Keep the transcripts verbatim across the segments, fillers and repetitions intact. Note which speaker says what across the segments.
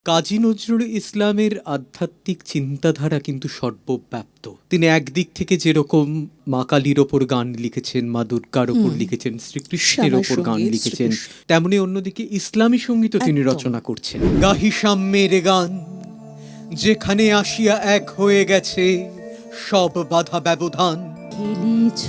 Speaker 1: কাজী নজরুল ইসলামের আধ্যাত্মিক চিন্তাধারা কিন্তু সর্বব্যাপ্ত। তিনি একদিক থেকে যেরকম মা কালীর ওপর গান লিখেছেন, মা দুর্গার ওপর লিখেছেন, শ্রীকৃষ্ণের ওপর গান
Speaker 2: শ্যামাসঙ্গীত,
Speaker 1: লিখেছেন,
Speaker 2: শ্রীকৃষ্ণ।
Speaker 1: তেমনি অন্যদিকে ইসলামী সঙ্গীতও তিনি
Speaker 2: একদম।
Speaker 1: রচনা করছেন। গাহি সাম্যের গান, যেখানে আসিয়া এক হয়ে গেছে সব বাধা ব্যবধান।
Speaker 3: খেলেছ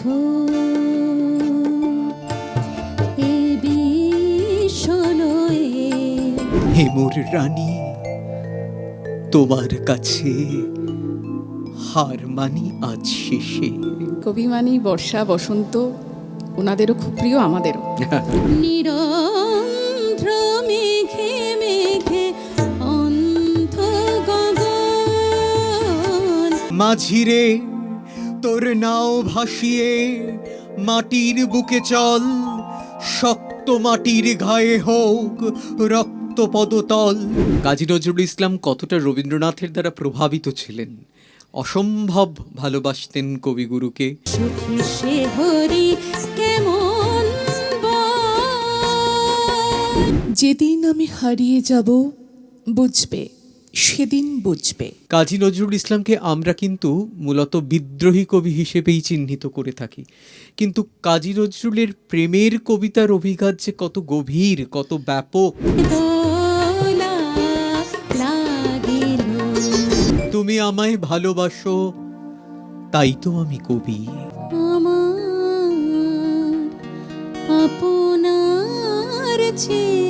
Speaker 3: এ বিষণয়ে
Speaker 1: হে মোর রানী, তোমার কাছে হার মানি আজ শেষে।
Speaker 2: কবি মানেই বর্ষা বসন্ত, ওনাদেরও খুব প্রিয়, আমাদেরও।
Speaker 3: নিরন্ধ্র মেঘে মেঘে অন্ধ গগন।
Speaker 1: মাঝিরে তোর নাও ভাসিয়ে মাটির বুকে চল, শক্ত মাটির গায়ে হোক রক্ত পদতল। কাজী নজরুল ইসলাম কতটা রবীন্দ্রনাথের দ্বারা প্রভাবিত ছিলেন, অসম্ভব ভালোবাসতেন কবিগুরুকে।
Speaker 3: সুখী সে হরি কেমন বল।
Speaker 4: যেদিন আমি হারিয়ে যাব বুঝবে, সেদিন বুঝবে।
Speaker 1: কাজী নজরুল ইসলামকে আমরা কিন্তু মূলত বিদ্রোহী কবি হিসেবেই চিহ্নিত করে থাকি, কিন্তু কাজী নজরুলের প্রেমের কবিতার অভিঘাত যে কত গভীর, কত ব্যাপক।
Speaker 3: দোলা লাগিল
Speaker 1: তুমি আমায় ভালোবাসো, তাই তো আমি কবি।
Speaker 3: আমার আপনার চেয়ে